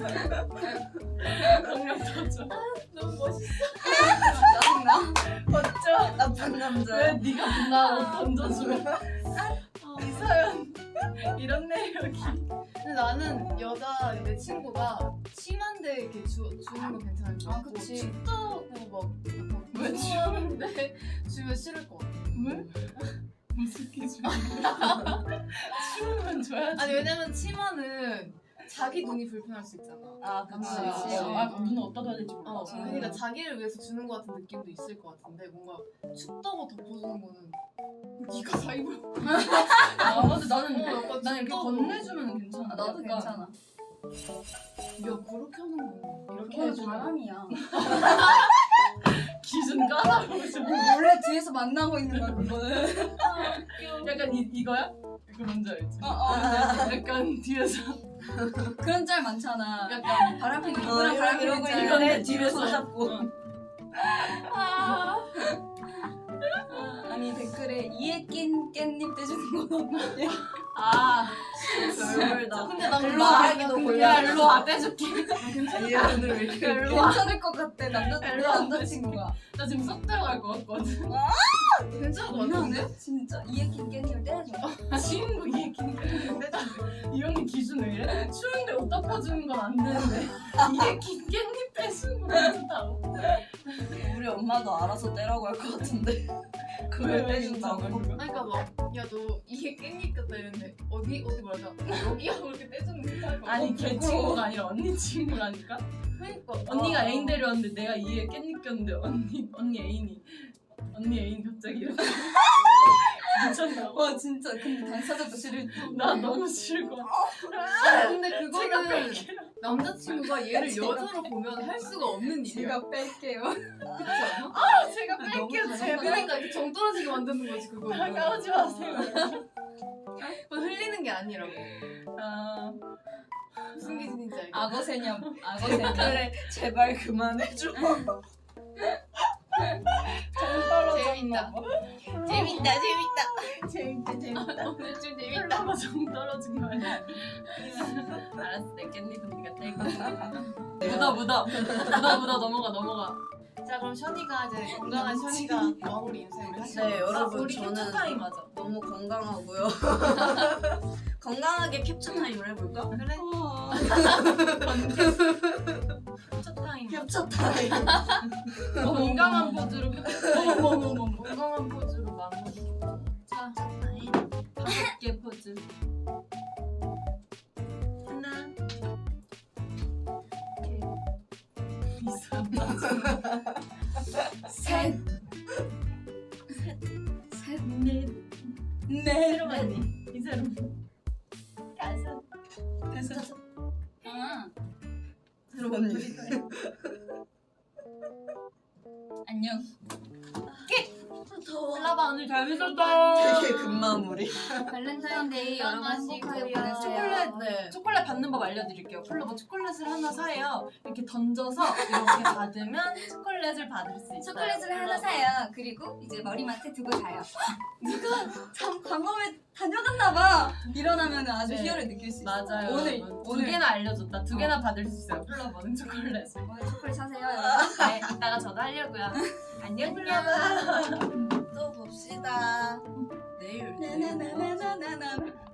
[SPEAKER 2] 방력 터져. 너무 멋있어.
[SPEAKER 3] 짜증나?
[SPEAKER 2] 멋져.
[SPEAKER 1] 나쁜
[SPEAKER 2] 왜
[SPEAKER 1] 남자야.
[SPEAKER 2] 네가 빛나고 던져주면 이서연 이런 내력이.
[SPEAKER 4] 근데 나는 여자 내 친구가 심한데 이렇게 주, 주는 거 괜찮을 것
[SPEAKER 3] 아,
[SPEAKER 4] 같고
[SPEAKER 3] 그치.
[SPEAKER 4] 춥다고 막
[SPEAKER 2] 왜
[SPEAKER 4] 무서워하는데 주면 싫을 것 같아.
[SPEAKER 2] 왜? 무슨 기준? 추우면 줘야지.
[SPEAKER 4] 아니 왜냐면 치마는 자기 눈이 불편할 수 있잖아.
[SPEAKER 1] 아
[SPEAKER 2] 아,
[SPEAKER 1] 그치.
[SPEAKER 3] 그치.
[SPEAKER 2] 아, 눈은 어디다 둬야 될지 몰라.
[SPEAKER 4] 어,
[SPEAKER 3] 음.
[SPEAKER 4] 그러니까 자기를 위해서 주는 것 같은 느낌도 있을 것 같은데 뭔가 춥다고 덮어주는 거는 네가 다 입어.
[SPEAKER 2] 아, 근데 나는
[SPEAKER 4] 어, 약간
[SPEAKER 2] 난 이렇게
[SPEAKER 4] 춥다고.
[SPEAKER 2] 건네주면 괜찮아.
[SPEAKER 3] 아, 나도
[SPEAKER 2] 약간
[SPEAKER 3] 괜찮아.
[SPEAKER 4] 야 그렇게 하는구나. 이렇게
[SPEAKER 3] 그건
[SPEAKER 4] 해주는 거.
[SPEAKER 3] 바람이야.
[SPEAKER 2] 기준 까다로우셔.
[SPEAKER 3] 원래 뒤에서 만나고 있는 거야 그거는.
[SPEAKER 2] 약간 이, 이거야? 이거 뭔지 알지?
[SPEAKER 3] 어, 어.
[SPEAKER 2] 약간 뒤에서
[SPEAKER 3] 그런 짤 많잖아.
[SPEAKER 2] 약간
[SPEAKER 3] 바람핀
[SPEAKER 1] 어,
[SPEAKER 3] 누구랑
[SPEAKER 1] 이러고
[SPEAKER 3] 바람핀
[SPEAKER 1] 이러고
[SPEAKER 3] 짤.
[SPEAKER 1] 있는데 뒤를 손잡고.
[SPEAKER 3] 아. 아니 댓글에 이에 낀 깻잎 떼주는 건 없나요?
[SPEAKER 2] 아
[SPEAKER 1] 별별다.
[SPEAKER 4] 근데 난
[SPEAKER 1] 일로
[SPEAKER 4] 말하기도
[SPEAKER 1] 와.
[SPEAKER 4] 곤란해.
[SPEAKER 2] 야 일로 와 떼줄게.
[SPEAKER 1] 얘 오늘 왜 이렇게
[SPEAKER 3] 괜찮을 것 같아 남자
[SPEAKER 2] 일로
[SPEAKER 3] 우리
[SPEAKER 2] 와,
[SPEAKER 3] 남자친구가.
[SPEAKER 2] 나 지금 쏙 들어갈 것 같거든.
[SPEAKER 4] 괜찮을 것 같은데?
[SPEAKER 3] 진짜 이에 낀 깻잎을 떼줘.
[SPEAKER 2] 친구 이 얘기는 떼줄게. 이 언니 기준 왜 이래? 추운데 옷 덮어주는 건 안 되는데 이 얘기 깻잎 빼주는 건 괜찮다고.
[SPEAKER 1] 우리 엄마도 알아서 떼라고 할 것 같은데. 그걸 떼준다고.
[SPEAKER 4] 그러니까 막 야 너 이게 깻잎 같다 이랬는데 어디 어디 말하자 여기 하고 이렇게 떼주는 게 괜찮을 것 같아.
[SPEAKER 2] 아니 걔 친구가 아니라 언니 친구라니까.
[SPEAKER 4] 그러니까
[SPEAKER 2] 언니가
[SPEAKER 4] 아.
[SPEAKER 2] 애인 데려왔는데 내가 이에 깻잎 꼈는데 언니 언니 애인이 언니 애인 갑자기 이렇게 미쳤나고.
[SPEAKER 3] 와 진짜 근데 당사자도 싫을 때.
[SPEAKER 2] 나 너무 싫고.
[SPEAKER 4] 아 근데
[SPEAKER 2] 제가
[SPEAKER 4] 그거는
[SPEAKER 2] 뺄게요.
[SPEAKER 4] 남자친구가 얘를 여자로 보면 할 수가 없는 일이야.
[SPEAKER 3] 제가 뺄게요.
[SPEAKER 4] 그렇지 않아?
[SPEAKER 2] 아 제가
[SPEAKER 3] 너무
[SPEAKER 2] 뺄게요
[SPEAKER 3] 잘한다.
[SPEAKER 2] 제발.
[SPEAKER 4] 그러니까 이렇게 정 떨어지게 만드는 거지 그거.
[SPEAKER 2] 다가오지 마세요.
[SPEAKER 4] 그건 흘리는 게 아니라고.
[SPEAKER 2] 아
[SPEAKER 4] 무슨 기준인지 알겠어.
[SPEAKER 3] 악어 새념. 악어 새념.
[SPEAKER 1] 그래 제발 그만해줘.
[SPEAKER 4] 재밌다. 재밌다 재밌다.
[SPEAKER 1] 재밌다 재밌다.
[SPEAKER 4] 오늘 좀 재밌다.
[SPEAKER 2] 얼마나 정 떨어진 거 아니야? 알았어 내 깻잎은 네가 떼고. 묻어 묻어 묻어 묻어 넘어가 넘어가.
[SPEAKER 4] 자 그럼 션이가 이제 건강한 션이가 마무리 인사 우리 하시죠.
[SPEAKER 1] 네 여러분
[SPEAKER 2] 우리
[SPEAKER 1] 저는
[SPEAKER 2] 캡처 타임 하자.
[SPEAKER 1] 너무 건강하고요. 건강하게 캡처 타임을 해볼까?
[SPEAKER 4] 그래.
[SPEAKER 2] 캡처 타임.
[SPEAKER 1] 캡처 타임.
[SPEAKER 2] 건강한 포즈로 캡처. 어머머머머.
[SPEAKER 4] 건강한 포즈로 마무리.
[SPEAKER 2] 자 다섯 개 포즈. 하나. 이상하다.
[SPEAKER 3] 셋.
[SPEAKER 2] 셋, 넷, 넷. 새로 많이. 이 새로. 다섯. 다섯.
[SPEAKER 3] 아
[SPEAKER 1] 새로 언니.
[SPEAKER 3] 안녕.
[SPEAKER 1] 더워.
[SPEAKER 2] 올라봐 오늘 잘 미쳤다.
[SPEAKER 1] 되게 금마무리.
[SPEAKER 3] 발렌타인데이 여러분 행복하게
[SPEAKER 4] 초콜릿.
[SPEAKER 3] 보내세요.
[SPEAKER 2] 초콜릿, 네. 초콜릿 받는 법 알려드릴게요. 플로버 초콜릿을 하나 사요. 이렇게 던져서 이렇게 받으면 초콜릿을 받을 수 있어요.
[SPEAKER 3] 초콜릿을 하나 사요. 그리고 이제 머리맡에 두고 자요. 누가 참 광범에 다녀갔나 봐. 일어나면 아주
[SPEAKER 2] 네.
[SPEAKER 3] 희열을 느낄 수 있어.
[SPEAKER 2] 맞아요.
[SPEAKER 3] 오늘
[SPEAKER 2] 여러분. 두
[SPEAKER 3] 오늘
[SPEAKER 2] 개나 알려줬다. 두 개나 받을 수 있어요. 플로버는 초콜릿을.
[SPEAKER 3] 오늘 초콜릿 사세요, 여러분.
[SPEAKER 2] 네, 이따가 저도 하려고요. 안녕 플로버.
[SPEAKER 1] 또 봅시다. 내일.
[SPEAKER 3] 나나나나나나나.